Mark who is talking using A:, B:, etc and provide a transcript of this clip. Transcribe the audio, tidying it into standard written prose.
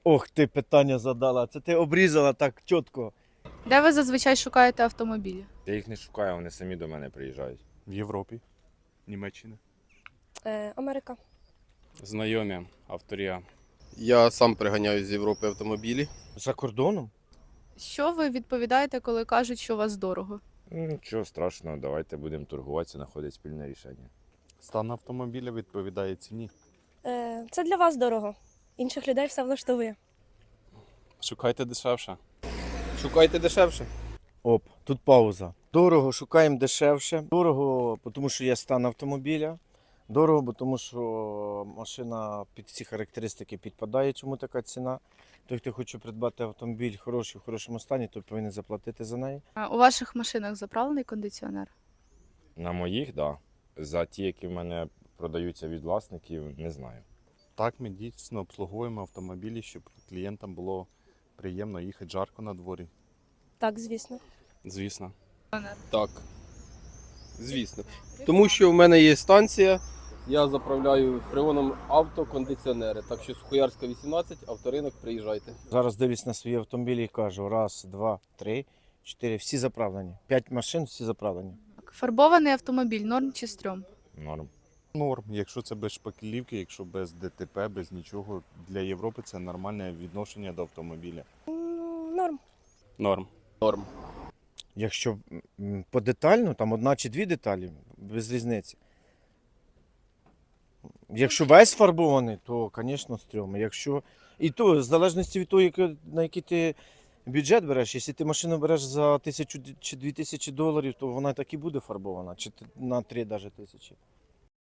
A: Ох, ти питання задала. Це ти обрізала так чітко.
B: Де ви зазвичай шукаєте автомобілі?
C: Я їх не шукаю, вони самі до мене приїжджають.
D: В Європі, Німеччина.
E: Америка.
F: Знайомі, авторія.
G: Я сам приганяю з Європи автомобілі.
A: За кордоном?
B: Що ви відповідаєте, коли кажуть, що у вас дорого?
C: Нічого страшного, давайте будемо торгуватися, знаходити спільне рішення.
D: Стан автомобіля відповідає ціні.
E: Це для вас дорого. Інших людей все влаштовує.
F: Шукайте дешевше.
G: Шукайте дешевше.
A: Оп, тут пауза. Дорого, шукаємо дешевше. Дорого, тому що є стан автомобіля. Дорого, бо тому що машина під ці характеристики підпадає, чому така ціна. Той, хто хоче придбати автомобіль хороший, в хорошому стані, той повинен заплатити за неї.
B: А у ваших машинах заправлений кондиціонер?
C: На моїх, так. Да. За ті, які в мене продаються від власників, не знаю.
D: Так, ми дійсно обслуговуємо автомобілі, щоб клієнтам було приємно їхати жарко на дворі.
E: Так, звісно.
F: Звісно.
G: Так. Звісно. Тому що в мене є станція, я заправляю фреоном автокондиціонери. Так що Сухоярська 18, авторинок, приїжджайте.
A: Зараз дивлюсь на свої автомобілі і кажу: раз, два, три, чотири, всі заправлені. 5 машин, всі заправлені.
B: Фарбований автомобіль, норм чи стрьом?
C: Норм.
D: Норм, якщо це без шпаклівки, якщо без ДТП, без нічого. Для Європи це нормальне відношення до автомобіля.
E: Норм.
F: Норм.
G: Норм.
A: Якщо подетально, там одна чи дві деталі, без різниці. Якщо весь фарбований, то, звісно, стрьом. Якщо... І то, в залежності від того, на який ти бюджет береш, якщо ти машину береш за 1000 чи 2000 доларів, то вона так і буде фарбована, чи на 3 навіть тисячі.